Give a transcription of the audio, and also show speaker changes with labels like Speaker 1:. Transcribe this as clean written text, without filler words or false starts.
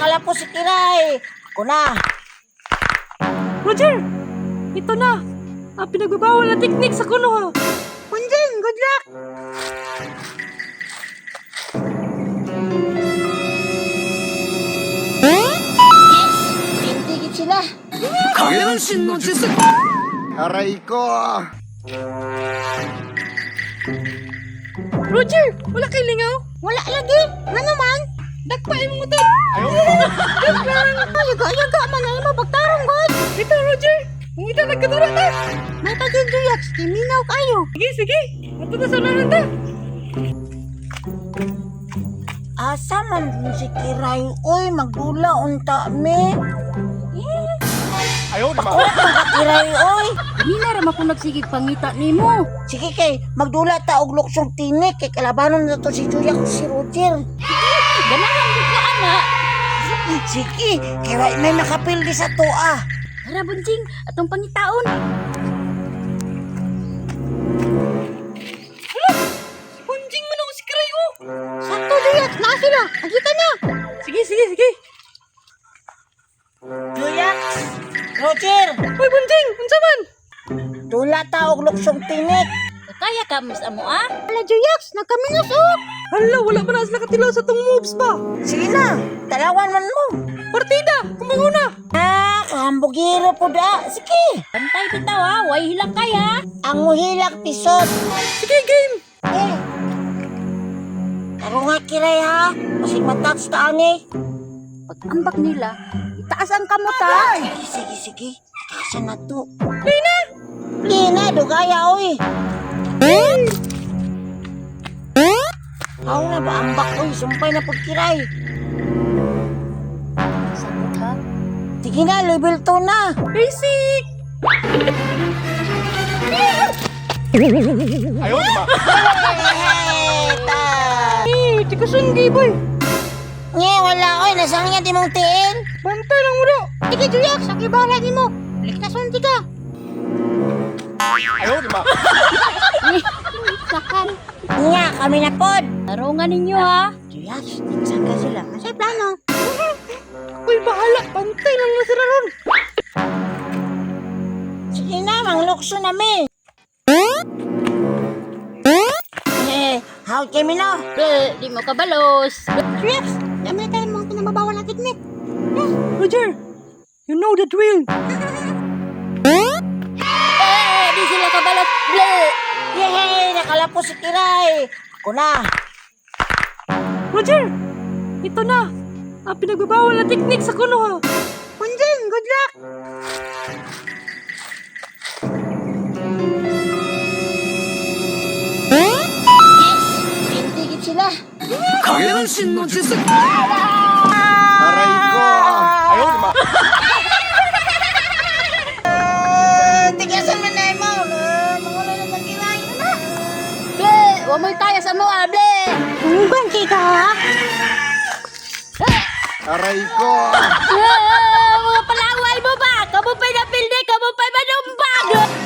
Speaker 1: nakalapos si Kiray. Ako na.
Speaker 2: Roger! Ito na! Ang pinagbabawal na teknik sa kuno ha!
Speaker 1: Punjing, good luck! Yes! Tindigit sila.
Speaker 2: Kagenshin no Jutsu!
Speaker 3: Aray ko!
Speaker 2: Roger! Wala kay lingaw!
Speaker 1: Wala lagi. Nga naman.
Speaker 2: Dakpain mo ito!
Speaker 1: Ayaga man ay mabagtarong, God.
Speaker 2: Ito, Roger! Kung ito nagkatara ta!
Speaker 1: May pagiguyat. Kiminaw kayo.
Speaker 2: Sige, sige! Ato na sa unahan ta!
Speaker 1: Asa man si Kiray? Uy, magdula unta me.
Speaker 3: Ayaw na
Speaker 1: Kiray, uy.
Speaker 2: Hindi na rin ako nagsigig pangita ni mo!
Speaker 1: Sige kay, magdula ta og luksong tinik. Kay kalabanon na to si Julia ko si Roger.
Speaker 2: Ganahan mo ko, anak!
Speaker 1: Sige, kaya may makapildi sa toa.
Speaker 2: Tara, Bunjing! Atong pangitaon! Bunjing man ako si Krayo!
Speaker 1: Sakto, Julia. Na sila. Nakita na.
Speaker 2: Sige, sige, sige!
Speaker 1: Julia, Roger.
Speaker 2: Hoy, Bunjing! Unsa man?
Speaker 1: Dula ta og luksong tinik.
Speaker 2: Kaya ka, Miss Amo, ah?
Speaker 1: Ala, Juyax, nagkaminos oh.
Speaker 2: Hala, wala pa na sila katilaw sa tong moves ba?
Speaker 1: Sige na, talawan man mo.
Speaker 2: Partida! Kumango na!
Speaker 1: Hambugiro po da. Sige.
Speaker 2: Pantay bitaw, ha? Way hilak kaya!
Speaker 1: Ang muhilak pisot.
Speaker 2: Sige, game!
Speaker 1: Eh. Karo nga Kiray ha. Kasi matouch ta ani.
Speaker 2: Pag-ambak nila, itaas ang kamot, ha?
Speaker 1: Sige. Kasa na to.
Speaker 2: Lina!
Speaker 1: Lina, dugaya oy. Ako na ba ambak oy. Sumpay na pag Kiray.
Speaker 2: Sakot, ha?
Speaker 1: Sige na, level 2 na.
Speaker 2: Basic!
Speaker 3: Ayaw na
Speaker 1: Eta.
Speaker 2: Di ko sunggi, boy!
Speaker 1: Nye, wala oy. Nasang niya di mong tiin.
Speaker 2: Bantay lang mo na!
Speaker 1: Sige, Juyak. Saki bala ni mo. Liktason ti ka.
Speaker 3: Ayaw na
Speaker 2: Sakan!
Speaker 1: Nga, kami na pod.
Speaker 2: Tarungan ninyo, ha?
Speaker 1: Juyak, saan ka sila? Masay plano.
Speaker 2: Uy, bahala! Bantay lang na sila ron!
Speaker 1: Sige na, manglukso na mi. How kami na?
Speaker 2: Di mo kabalos!
Speaker 1: Juyak, dami tayo mga pinababawal na teknik.
Speaker 2: Roger! You know the drill! Di sila kabalos! Bleh!
Speaker 1: Yehey, nakalapos si Kiray. Ako na.
Speaker 2: Roger! Ito na! Ang pinagbabawal na teknik sa kuno, ha?
Speaker 1: Punjing, good luck. Yes, tindigit sila.
Speaker 2: Kagenshin no Jutsu!
Speaker 3: Aray ko! Ayaw na
Speaker 1: Tigasan mo na mo. Mangulay na ng Kiray. Ano?
Speaker 2: Bleh! Huwag mo'y kaya sa mga, bleh!
Speaker 1: Bang kita ha?
Speaker 3: Aray ko!
Speaker 2: Mga palaway mo ba? Kamu pa'y napilde, kamu pa'y manumbag!